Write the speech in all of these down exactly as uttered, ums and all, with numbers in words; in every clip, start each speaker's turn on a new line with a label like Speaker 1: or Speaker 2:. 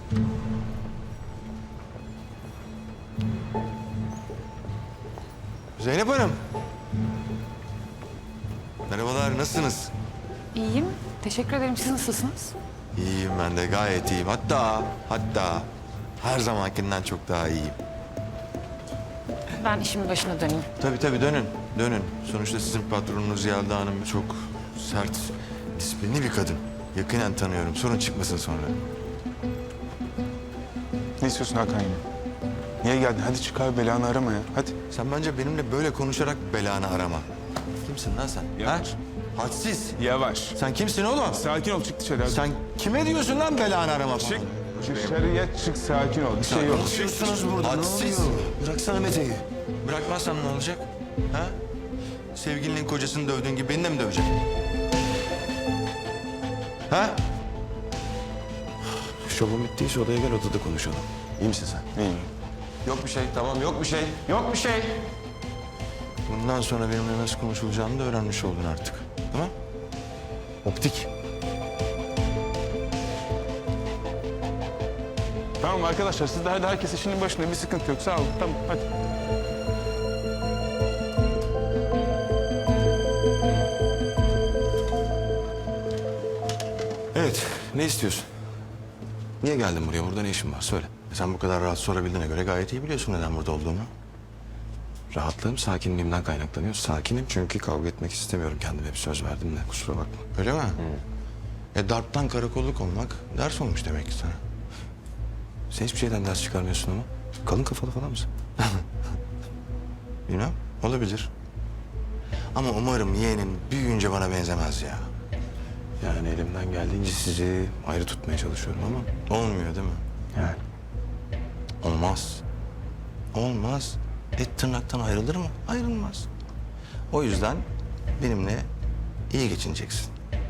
Speaker 1: Zeynep Hanım. Merhabalar, nasılsınız?
Speaker 2: İyiyim. Teşekkür ederim. Siz nasılsınız?
Speaker 1: İyiyim ben de, gayet iyiyim. Hatta, hatta her zamankinden çok daha iyiyim.
Speaker 2: Ben işimin başına döneyim.
Speaker 1: Tabii tabii dönün, dönün. Sonuçta sizin patronunuz Yelda Hanım çok sert, disiplinli bir kadın. Yakinen tanıyorum, sorun çıkmasın sonra.
Speaker 3: Ne istiyorsun Hakan yine? Niye geldin? Hadi çıkar belanı arama ya. Hadi.
Speaker 1: Sen bence benimle böyle konuşarak belanı arama. Kimsin lan sen?
Speaker 3: Yavaş.
Speaker 1: Ha? Hadsiz.
Speaker 3: Yavaş.
Speaker 1: Sen kimsin oğlum?
Speaker 3: Sakin ol, çık dışarı hadi.
Speaker 1: Sen kime diyorsun lan belanı arama falan?
Speaker 3: Çık. Dışarıya çık, sakin ol. Bir şey yok.
Speaker 1: Konuşuyorsunuz burada. Hadsiz. Bıraksana Mete'yi. Bırakmazsan ne olacak? Ha? Sevgilinin kocasını dövdüğün gibi beni de mi döveceksin? Ha?
Speaker 4: Şovun bittiyse odaya gel, odada konuşalım. İyi misin sen?
Speaker 3: İyiyim.
Speaker 4: Yok bir şey, tamam yok bir şey. Yok bir şey.
Speaker 1: Bundan sonra benimle nasıl konuşulacağını da öğrenmiş oldun artık. Tamam? Optik.
Speaker 3: Tamam arkadaşlar, siz de hadi herkes işinin başında. Bir sıkıntı yok. Sağ olun. Tamam, hadi.
Speaker 1: Evet, ne istiyorsun? Niye geldin buraya? Burada ne işin var? Söyle. Sen bu kadar rahat sorabildiğine göre gayet iyi biliyorsun neden burada olduğumu.
Speaker 4: Rahatlığım sakinliğimden kaynaklanıyor. Sakinim çünkü kavga etmek istemiyorum. Kendime bir söz verdim de kusura bakma.
Speaker 1: Öyle mi? E darptan karakolluk olmak ders olmuş demek ki sana.
Speaker 4: Sen hiçbir şeyden ders çıkarmıyorsun ama. Kalın kafalı falan mısın?
Speaker 1: Bilmem, olabilir. Ama umarım yeğenin büyüyünce bana benzemez ya.
Speaker 4: Yani elimden geldiğince sizi ayrı tutmaya çalışıyorum ama.
Speaker 1: Olmuyor değil mi?
Speaker 4: Yani.
Speaker 1: Olmaz. Olmaz. Et tırnaktan ayrılır mı? Ayrılmaz. O yüzden benimle iyi geçineceksin.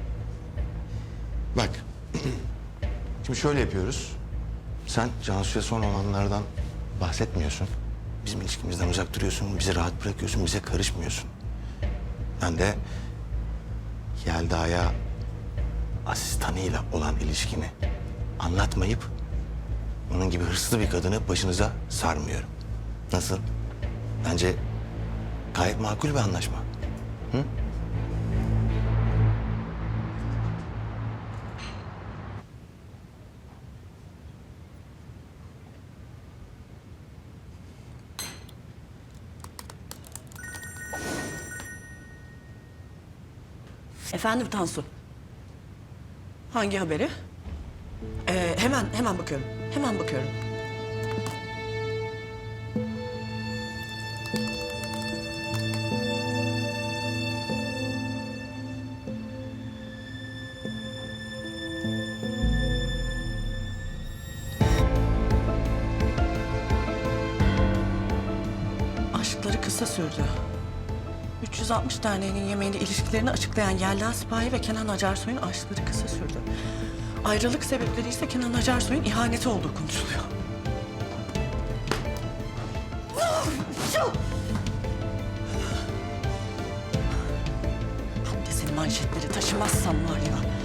Speaker 1: Bak. Şimdi şöyle yapıyoruz. Sen Cansu'ya son olanlardan bahsetmiyorsun. Bizim ilişkimizden uzak duruyorsun. Bizi rahat bırakıyorsun. Bize karışmıyorsun. Ben de Yelda'ya asistanıyla olan ilişkimi anlatmayıp onun gibi hırslı bir kadını başınıza sarmıyorum. Nasıl? Bence gayet makul bir anlaşma. Hı?
Speaker 5: Efendim Tansu. Hangi haberi? Ee, hemen hemen bakıyorum. Hemen bakıyorum. Aşkları kısa sürdü. üç yüz altmış Derneği'nin yemeğinde ilişkilerini açıklayan Yelda Sipahi ve Kenan Acarsoy'un aşkları kısa sürdü. Ayrılık sebepleri ise Kenan Acarsoy'un ihaneti olduğu konuşuluyor. Ben de senin manşetleri taşımazsam var ya...